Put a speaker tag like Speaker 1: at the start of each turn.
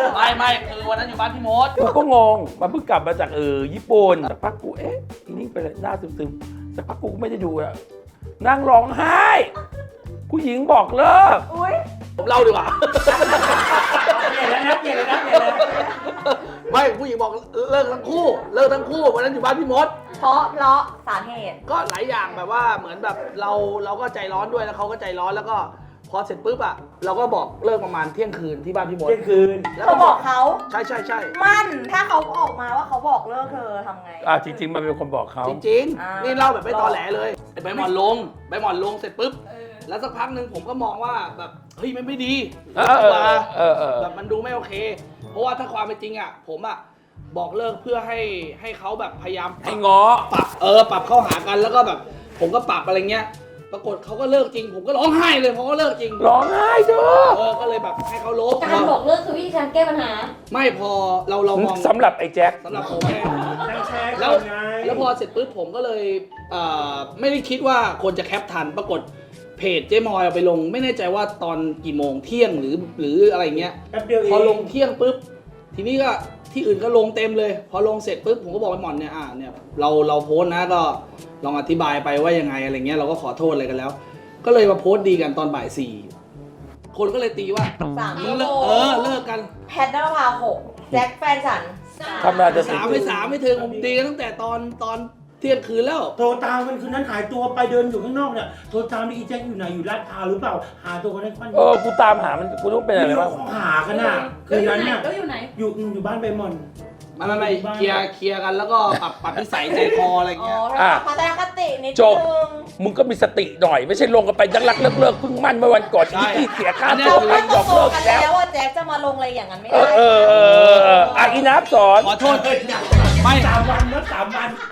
Speaker 1: ไม่คือวันนั้นอยู่บ้านพี่มด
Speaker 2: กูก็งงมันเพิ่งกลับมาจากญี่ปุ่นสักพักกูอีนิ่งไปเลยหน้าซึมๆสักพักกูก็ไม่ได้ดูอะนั่งร้องไห้ผู้หญิงบอกเลิก
Speaker 3: อุ้ย
Speaker 1: ผมเล่าดีกว่า
Speaker 4: เปลี่ยนแล้วนะเปลี่ยนแล้วนะเปลี่ยนแล้ว
Speaker 1: ไม่ผู้หญิงบอกเลิกทั้งคู่วันนั้นอยู่บ้านพี่มด
Speaker 3: เพราะสาเหตุ
Speaker 1: ก็หลายอย่างแบบว่าเหมือนแบบเราก็ใจร้อนด้วยแล้วเขาก็ใจร้อนแล้วก็พอเสร็จปุ๊บอะเราก็บอกเลิกประมาณเที่ยงคืนที่บ้านพี่มด
Speaker 4: เที่ยงคืน
Speaker 1: แล้ว
Speaker 3: เขาบอกเขา
Speaker 1: ใช่
Speaker 3: มั่นถ้าเขาออกมาว่าเขาบอกเลิกเธอทำไง
Speaker 2: จริง ๆ มันเป็นคนบอกเขา
Speaker 1: จริง
Speaker 3: อ่า
Speaker 1: ๆ นี่เล่าแบบไม่ตอแหลเลยใบหมอนลงเสร็จปุ๊บแล้วสักพักหนึ่งผมก็มองว่าแบบเฮ้ยมันไม่ดี แบบมันดูไม่โอเค เพราะว่าถ้าความเป็นจริงอะผมอะบอกเลิกเพื่อให้เขาแบบพยายาม
Speaker 2: ให้ง้อ
Speaker 1: ปรับเข้าหากันแล้วก็แบบ ผมก็ปรับอะไรเงี้ย ปรากฏเขาก็เลิกจริง ผมก็ร้องไห้เลยเพราะเขาเลิกจริง
Speaker 2: ร้องไห้เด้อ
Speaker 1: ก็เลยแบบให้เขาลบ
Speaker 5: การบอกเลิกคือวิธีการแก้ปัญหา
Speaker 1: ไม่พอเรามอง
Speaker 2: สำหรับไอ้แจ็ค
Speaker 1: สำหรับผมไง
Speaker 4: นั่งแชร์
Speaker 1: แล้ว
Speaker 4: ไง
Speaker 1: แล้วพอเสร็จปุ๊บผมก็เลยไม่ได้คิดว่าคนจะแคปทัน ปรากฏเพจเจ๊มอยเอาไปลง ไม่แน่ใจว่าตอนกี่โมงเที่ยงหรืออะไรเงี้ย
Speaker 4: แป๊บเดียวเอง
Speaker 1: พอลงเที่ยงปุ๊บ ทีนี้ก็ที่อื่นก็ลงเต็มเลย พอลงเสร็จปุ๊บผมก็บอกไปหมอนเนี่ยเนี่ยเราโพสต์นะก็ลองอธิบายไปว่ายังไงอะไรเงี้ยเราก็ขอโทษอะไรกันแล้ว ก็เลยมาโพสต์ดีกันตอนบ่าย4คนก็เลยตีว่า
Speaker 3: 3
Speaker 1: มึงเลิกเลิกกัน
Speaker 3: แพทนภา6แจ็คแฟนฉัน
Speaker 2: ทำงานจะ
Speaker 1: ไม่ถึงผมตีกันตั้งแต่ตอนเที่ยงคืนแล้ว
Speaker 4: โทรตามมันคืนนั้นหายตัวไปเดินอยู่ข้างนอกเนี่ยโทรตามอีแจ็คอยู่ไหนอยู่ลาดพร้าวหรือเปล่าหาตัวคนนั้น
Speaker 2: กูตามหามันกูต้องเป็นอะไร
Speaker 4: ไม่รู้
Speaker 2: บ้าง
Speaker 4: เขาหากันน่ะคืนนั้นเนี่ย
Speaker 5: ก็อยู่ไหน
Speaker 4: อยู่บ้านใบหมอน
Speaker 1: ไม่เคลียร์กันแล้วก็ปรับนิสัยใจคออะไร
Speaker 3: อ๋อ
Speaker 1: เงี้ย
Speaker 3: พัฒนคตินิด
Speaker 2: จบ
Speaker 3: นึง
Speaker 2: มึงก็มีสติหน่อยไม่ใช่ลงกันไปยักรักเลิกเพิ่งมั่นเมื่อวันก่อนที่เสียค่าตัว
Speaker 3: เขา
Speaker 2: ไป
Speaker 3: ก็
Speaker 2: บอก
Speaker 3: โต
Speaker 2: เลิก
Speaker 3: กัน
Speaker 2: แล้ว
Speaker 3: แล้วว่าแจ็คจะมาลงอะไรอย่างนั้นไม่
Speaker 2: เอ
Speaker 3: ได้
Speaker 2: อีนับสอน
Speaker 1: ขอโทษ
Speaker 4: ไม่3 วันแล้ว3 วัน